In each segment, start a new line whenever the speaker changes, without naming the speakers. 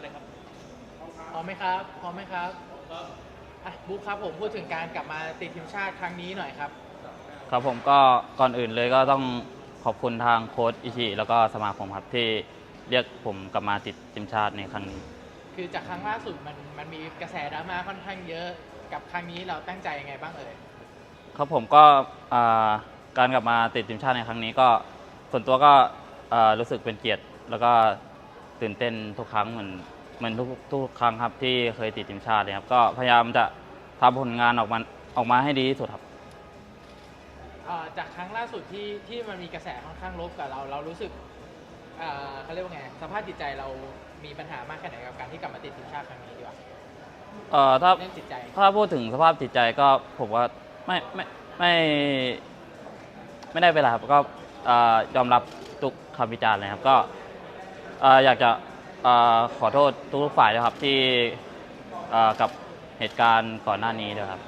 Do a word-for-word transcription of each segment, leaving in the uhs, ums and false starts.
เลยครับ
พร้อมไหมครับพร้อมไหมครับอ่ะบุ๊คครับผมพูดถึงการกลับมาติดทีมชาติครั้งนี้หน่อยครับ
ครับผมก็ก่อนอื่นเลยก็ต้องขอบคุณทางโค้ชอิชิแล้วก็สมาคมครับที่เรียกผมกลับมาติดทีมชาติในครั้งนี้
คือจากครั้งล่าสุดมันมันมีกระแสดราม่าค่อนข้างเยอะกับครั้งนี้เราตั้งใจยังไงบ้างเอ่ย
ครับผมก็การกลับมาติดทีมชาติในครั้งนี้ก็ส่วนตัวก็รู้สึกเป็นเกียรติแล้วก็ตื่นเต้นทุกครั้งเหมือนเหมือนทุกทุกครั้งครับที่เคยติดทีมชาติเลยครับก็พยายามจะทำผลงานออกมาออกมาให้ดีที่สุดครับ
จากครั้งล่าสุดที่ที่มันมีกระแสค่อนข้างลบกับเราเรารู้สึกเขาเรียกว่าไงสภาพจิตใจเรามีปัญหามากแค่ไหนกับการที่กลับมาติดทีมชาติครั้งนี้ดีกว่า
เอ่อถ้า
เรื่องจิตใจ
ถ้าพูดถึงสภาพจิตใจก็ผมว่าไม่ไม่ไม่ไม่ได้เป็นไรครับก็ยอมรับทุกคำวิจารณ์เลยครับก็อยากจะขอโทษทุกฝ่ายนะครับที่กับเหตุการณ์ก่อนหน้านี้ด้วยครับ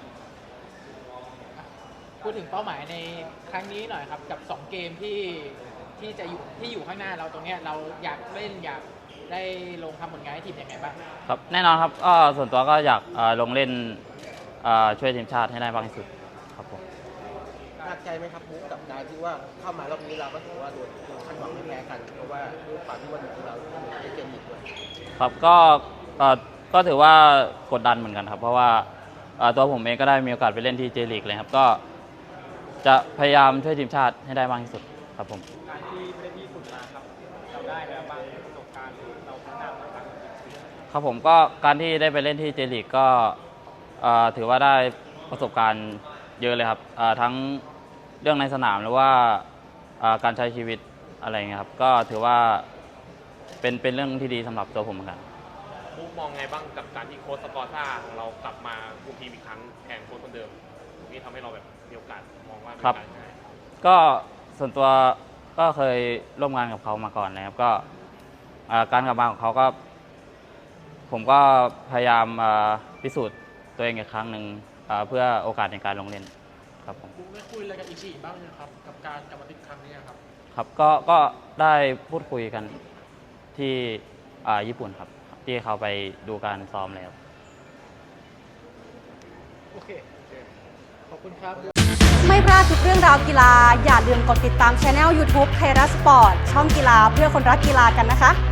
พูดถึงเป้าหมายในครั้งนี้หน่อยครับกับสองเกมที่ที่จะอยู่ที่อยู่ข้างหน้าเราตรงนี้เราอยากเล่นอยากได้ลงทำผลงานให้ทีมยังไงบ้าง
ครับแน่นอนครับก็ส่วนตัวก็อยากลงเล่นช่วยทีมชาติให้ได้มากที่สุดครับผม
หนักใจไหมครับบุ๊กกับการที่ว่าเข้ามารอบนี้เราก็ถือว่าโดนคาดหวังไม่แพ้กันเพราะว่าด้วยความที่ว่าเราได้เกมอีกด้วย
ครับก็ก็ถือว่ากดดันเหมือนกันครับเพราะว่าตัวผมเองก็ได้มีโอกาสไปเล่นที่เจลีกเลยครับก็จะพยายามช่วยทีมชาติให้ได้มากที่สุดครับผม
การที่ไม่ได้ที่สุดมาครับเราได้แล้วบางประสบการณ์เราพัฒนามาบ้าง
ครับผมก็การที่ได้ไปเล่นที่เจลีกก็ถือว่าได้ประสบการณ์เยอะเลยครับทั้งเรื่องในสนามหรือว่าการใช้ชีวิตอะไรเงี้ยครับก็ถือว่าเป็นเป็นเรื่องที่ดีสำหรับตัวผมเหมือนกัน
มุกมองไงบ้างกับการที่โค้ชสกอร์ซ่าของเรากลับมาคุมทีมอีกครั้งแทนโค้ชคนเดิมนี่ทำให้เราแบบมีโอกาสมองว่าเป็นการง่าย
ก็ส่วนตัวก็เคยร่วมงานกับเขามาก่อนนะครับก็การกลับมาของเขาก็ผมก็พยายามพิสูจน์ตัวเองอีกครั้งหนึ่งเพื่อโอกาสในการลงเล่นครับผม
ได้คุยอะไรกับอิชิบ้างนะครับกับการกลับมาติดครั้งนี้ครับ
ครับก็ก็ได้พูดคุยกันที่ญี่ปุ่นครับที่เขาไปดูการซ้อมแล้ว
โอเคขอบคุณครับ
ไม่พลาดทุกเรื่องราวกีฬาอย่าลืมกดติดตาม Channel ยูทูบ ไทยรัฐสปอร์ตช่องกีฬาเพื่อคนรักกีฬากันนะคะ